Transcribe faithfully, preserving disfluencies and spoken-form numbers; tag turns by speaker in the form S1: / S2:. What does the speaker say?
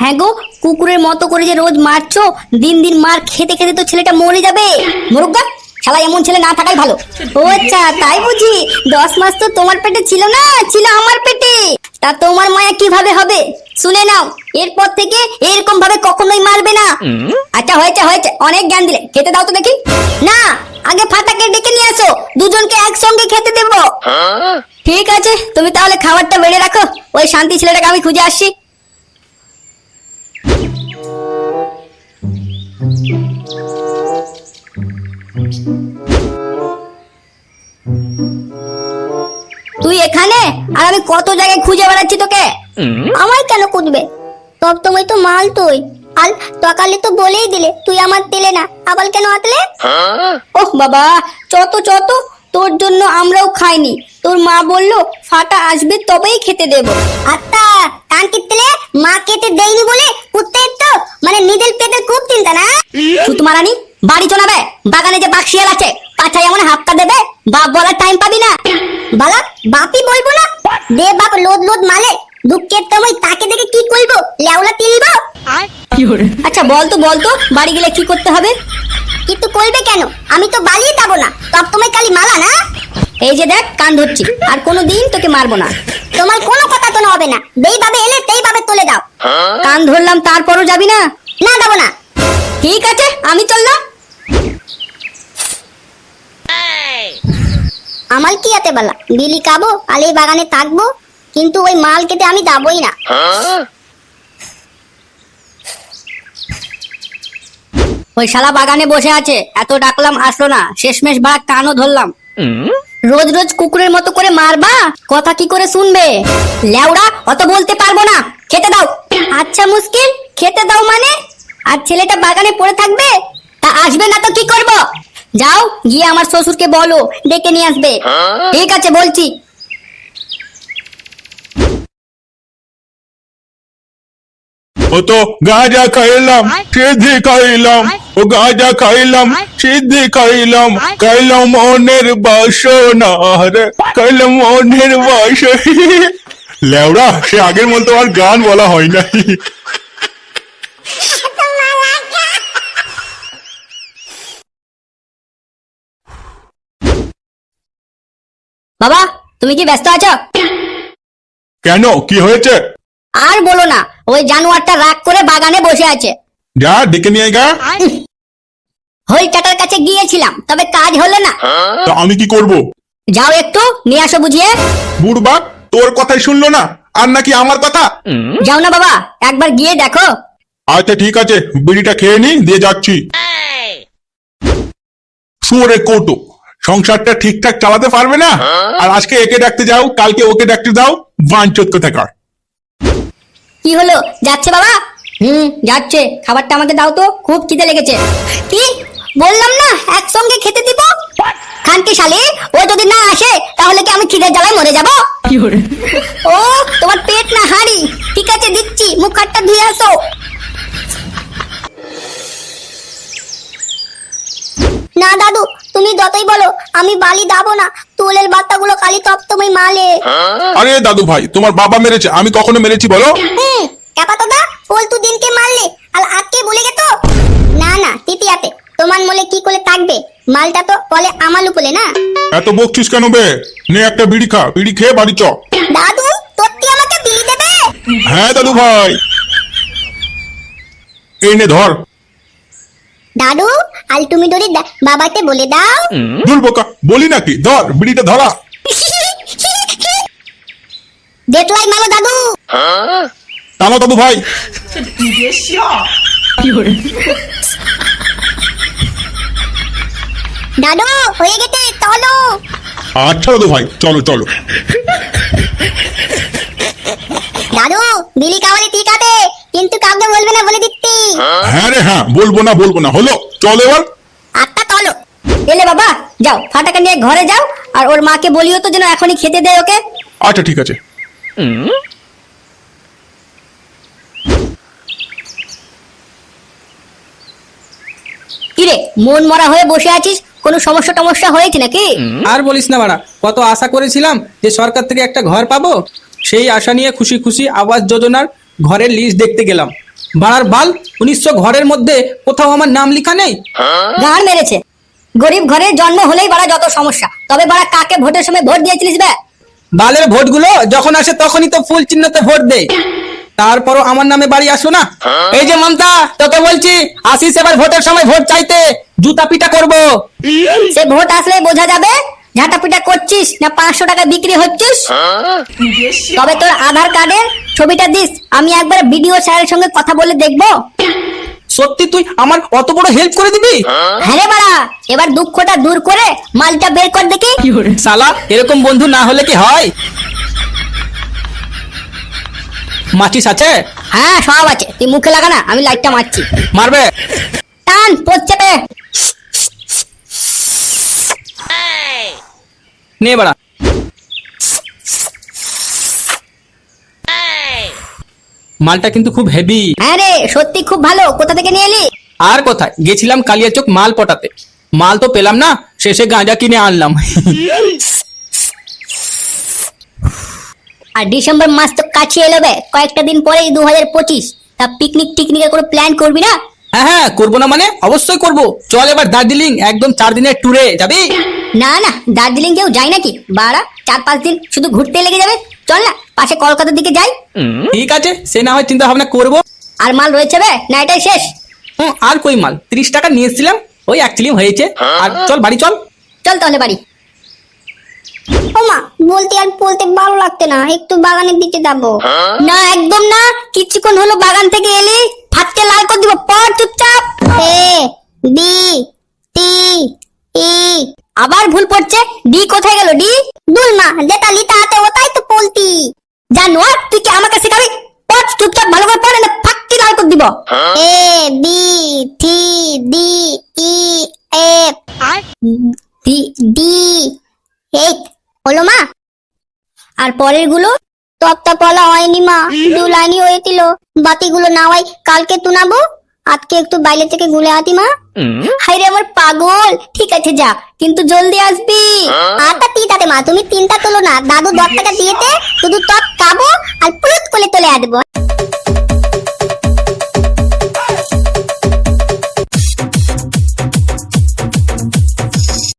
S1: হ্যাঁ গো, কুকুরের মতো করে যে রোজ মারছো, দিন দিন মার খেতে খেতে তো ছেলেটা মরে যাবে। মুরুগা, শালা এমন ছেলে না থাকাই ভালো। ও আচ্ছা, তাই বুঝি? দশ মাস তো তোমার পেটে ছিল না, ছিল আমার পেটে। তা তোমার মায়া কিভাবে হবে? শুনে নাও, এরপর থেকে এরকম ভাবে কখনোই মারবে না। আচ্ছা হয়েছে হয়েছে, অনেক জ্ঞান দিলে, খেতে দাও তো দেখি। না, আগে ফাটাকে ডেকে নিয়ে আসো, দুজনকে একসঙ্গে খেতে দেবো। ঠিক আছে, তুমি তাহলে খাবারটা বেড়ে রাখো, ওই শান্তি ছেলেটাকে আমি খুঁজে আসছি। তুই এখানে? আর আমি কত জায়গায় খুঁজে বেড়াচ্ছি তোকে। আমায় কেন খুঁজবে? সব তোমায় তো মাল তুই। আর সকালে তো বলেই দিলে তুই আমার দিলে না, আবার কেন আতলে? ওহ বাবা, চত চত, তোর জন্য আমরাও খাইনি। তোর মা বললো ফাটা আসবে তবেই খেতে দেব। আত্মা কান কিতলে মা খেতে দেয়নি বলে কুত্তের তো মানে নিদেল পেটের খুব চিন্তা না। সুতমারানি, বাড়ি চলাবে, বাগানে যে বাক্সিয়াল আছে পাছায় এমন হাফটা দেবে, বাপ বলার টাইম পাবি না। বালা বাপই বলবো না, দে বাপ লোদ লোদ মালে, দুঃখের সময় তাকে দেখে কি করবো, লেওলা তিলবো। আচ্ছা বলতো বলতো বাড়ি গেলে কি করতে হবে? কিন্তু করবে কেন? আমি তো বালিয়ে যাবো না, সব তোমায় খালি মালা না। এই যে দেখ, কান ধরছি, আর কোনোদিন তোকে মারবো না। তোমার কোনো কথা তো হবে না, যেই ভাবে এলে সেই ভাবে চলে যাও। কান ধরলাম তারপরও যাবি না? না, যাবো না। ঠিক আছে, আমি চললাম। আমার কি আতে বলা, বিলি খাবো আর এই বাগানে থাকবো, কিন্তু ওই মাল খেতে আমি যাবোই না। ওই শালা বাগানে বসে আছে, এত ডাকলাম আসলো না, শেষমেশ ভাড়া কানও ধরলাম। রোজ রোজ কুকুরের মতো করে মারবা, কথা কি করে শুনবে? লেওড়া, অত বলতে পারবো না, খেতে দাও। আচ্ছা মুশকিল, খেতে দাও মানে? আর ছেলেটা বাগানে পড়ে থাকবে? তা আসবে না তো কি করব? যাও গিয়ে আমার শ্বশুরকে বলো ডেকে নিয়ে আসবে। ঠিক আছে, বলছি।
S2: ও তো গাঁজা খাইলাম, সিদ্ধি খাইলাম, ও গাঁজা খাইলাম, সিদ্ধি খাইলাম, খাইলাম মনের বাসনা রে, খাইলাম মনের বাসনা। লেওড়া, সে আগের মতো আর গান বলা হয় না।
S1: বাবা, তুমি কি ব্যস্ত আছো?
S2: কেন, কি হয়েছে?
S1: আর বলো না, ওই জানোয়ারটা রাগ করে বাগানে বসে আছে।
S2: যা ডেকে নিয়ে গা।
S1: হরিটাটার কাছে গিয়েছিলাম, তবে কাজ হলো না।
S2: তা আমি কি করব?
S1: যাও একটু নিয়ে আসো বুঝিয়ে।
S2: বুড়বা, তোর কথাই শুনলো না, আর নাকি আমার কথা?
S1: যাও না বাবা, একবার গিয়ে দেখো।
S2: আচ্ছা ঠিক আছে, বিড়িটা খেয়ে নি, দিয়ে যাচ্ছি। শুয়োরে কৌটো, সংসারটা ঠিকঠাক চালাতে পারবে না, আর আজকে একে ডাকতে যাও, কালকে ওকে ডাকতে দাও, বাঞ্চত কোথাকার।
S1: কি হলো, যাচ্ছে বাবা? হুম, যাচ্ছে। খাবারটা আমাকে দাও তো, খুব খিদে লেগেছে। কি বললাম না একসঙ্গে খেতে দিব? খানকি শালি, ও যদি না আসে তাহলে কি আমি খিদে জ্বালায় মরে যাব? ও তোমার পেট না হাঁড়ি? ঠিক আছে দিচ্ছি, মুখ হাতটা ধুয়ে আসো। না দাদু, তুমি যতই বলো আমি বালি দাবো না, তোলের বাচ্চাগুলো খালি তপ তুমি মালে।
S2: আরে দাদু ভাই, তোমার বাবা মেরেছে, আমি কখনো মেরেছি বলো?
S1: হুম, কাপা তো দা, পল্টু দিনকে মারলে আর আজকে ভুলে গেছো? না না তৃতীয়াতে তোমার মলে কি করে থাকবে, মালটা তো বলে আমার উপলে না।
S2: এত বকছিস কেন বে? নে একটা বিড়ি খা, বিড়ি খেয়ে বাড়ি চ।
S1: দাদু, তোরটি আমাকে বিলি দেবে?
S2: হ্যাঁ দাদু ভাই, এই নে ধর।
S1: দাদু, আল তুমি ধরে বাবাকে বলে দাও।
S2: দুল বোকা, বলি নাকি? ধর বিড়িটা ধরা।
S1: দেখলাই মালো দাদু।
S2: টানো দাদু ভাই।
S1: দাদু হয়ে গেছে, চলো।
S2: আচ্ছা দাদু ভাই, চলো চলো।
S1: দাদু, বিলি খাওয়ালে ঠিক আছে, কিন্তু কাউকে বলবে না বলে দিচ্ছি।
S2: হ্যাঁ রে হ্যাঁ, বলবো না বলবো না, হলো চল এবার।
S1: আচ্ছা চলো। এলে বাবা, যাও ফাটাকে নিয়ে ঘরে যাও, আর ওর মাকে বলিও তো যেন এখনই খেতে দেয় ওকে।
S2: আচ্ছা ঠিক আছে।
S1: কিরে, মন মরা হয়ে বসে আছিস, কোনো সমস্যা টমস্যা হয়েছে নাকি?
S3: আর বলিস না বাড়া, কত আশা করেছিলাম যে সরকার থেকে একটা ঘর পাবো, সেই আশা নিয়ে খুশি খুশি আবাস যোজনার ঘরের লিস্ট দেখতে গেলাম। বাড়ার বাল উনিশশো ঘরের মধ্যে কোথাও আমার নাম লেখা নেই।
S1: গান মেরেছে। গরিব ঘরে জন্ম হলেই বাড়া যত সমস্যা, তবে বাড়া কাকে ভোটের সময় ভোট দিয়েছিলিস বে?
S3: বালের ভোটগুলো যখন আসে তখনই তো ফুল চিহ্নতে ভোট দেয়, তারপরও আমার নামে বাড়ি আসো না। এই যে মমতা, তোকে বলছি আসিস এবার ভোটের সময় ভোট চাইতে, জুতা পিটা করবো।
S1: সে ভোট আসলে বোঝা যাবে ঝাঁটাপিটা করছিস না পাঁচশো টাকা বিক্রি হচ্ছিস। তবে তোর আধার কার্ডের ছবিটা দিস, আমি একবার বিডিও স্যারের সঙ্গে কথা বলে দেখবো।
S3: সত্যি তুই আমার অত বড় হেল্প করে দিবি?
S1: হ্যাঁ রে বাড়া, এবার দুঃখটা দূর করে মালটা বের কর দেখি।
S3: শালা এরকম বন্ধু না হলে কি হয়? মাচিস আছে?
S1: হ্যাঁ সব আছে, তুই মুখে লাগা না, আমি লাইটটা মারছি।
S3: মারবে?
S1: টান পড়ছে বে।
S3: নে বাড়া। মালটা কিন্তু খুব হেভি।
S1: হ্যাঁ রে সত্যি খুব ভালো, কোথা থেকে নিয়ে এলি?
S3: আর কোথায়, গেছিলাম কালিয়াচক মাল পটাতে, মাল তো পেলাম না, শেষে গাঁজা কিনে আনলাম।
S1: আর ডিসেম্বর মাস তো কাছে এলো বে, কয়েকটা দিন পরেই দু হাজার পঁচিশ। তা পিকনিক টিকনিকের কোনো প্ল্যান করবি না?
S3: হ্যাঁ হ্যাঁ করবো না মানে, অবশ্যই করবো। চল এবার দার্জিলিং একদম চার দিনের ট্যুরে যাবি?
S1: না না, দার্জিলিং কেউ যায় নাকি বাড়া, চার পাঁচ দিন শুধু ঘুরতে লেগে যাবে। চল না পাশে কলকাতার দিকে যাই।
S3: ঠিক আছে, সে না হয় চিন্তা ভাবনা করবো।
S1: আর মাল রয়েছে বে না এটাই শেষ?
S3: হুম, আর কই মাল, তিরিশ টাকা নিয়ে এসেছিলাম, ওই অ্যাকচুয়ালি হয়েছে। আর চল বাড়ি চল।
S1: চল তাহলে বাড়ি। ও মা, বলতে আর বলতে ভালো লাগতে না, একটু বাগানের দিকে যাবো। না একদম না, কিছুক্ষণ হলো বাগান থেকে এলি, ফাটকে লাল করে দিব, পড় চুপচাপ। এ বি টি ই, আবার ভুল পড়ছে। ডি কোথায় গেল? ডি দুল মা, যেটা লিতা হাতে ওটাই তো বলতি। জানোয়ার, তুই কি আমাকে শেখাবি? পড় চুপচাপ, ভালো করে পড়ে না ফাটকে লাল করে দিব। A B C D E F D D এই হলো মা। আর পরের গুলো তপ্তা পলা হয়নি মা, দু লাইনই হয়েছিল। বাতিগুলো নাওয়াই কালকে তুনাবো, আজকে একটু বাইরে থেকে গুলে আতি মা। হাই রে আমার পাগল, ঠিক আছে যা, কিন্তু জলদি আসবি। আটা তিনটাতে মা, তুমি তিনটা তোলো না, দাদু দশ টাকা দিয়েতে শুধু টপ খাবো আর পুরুত করে চলে আসবো।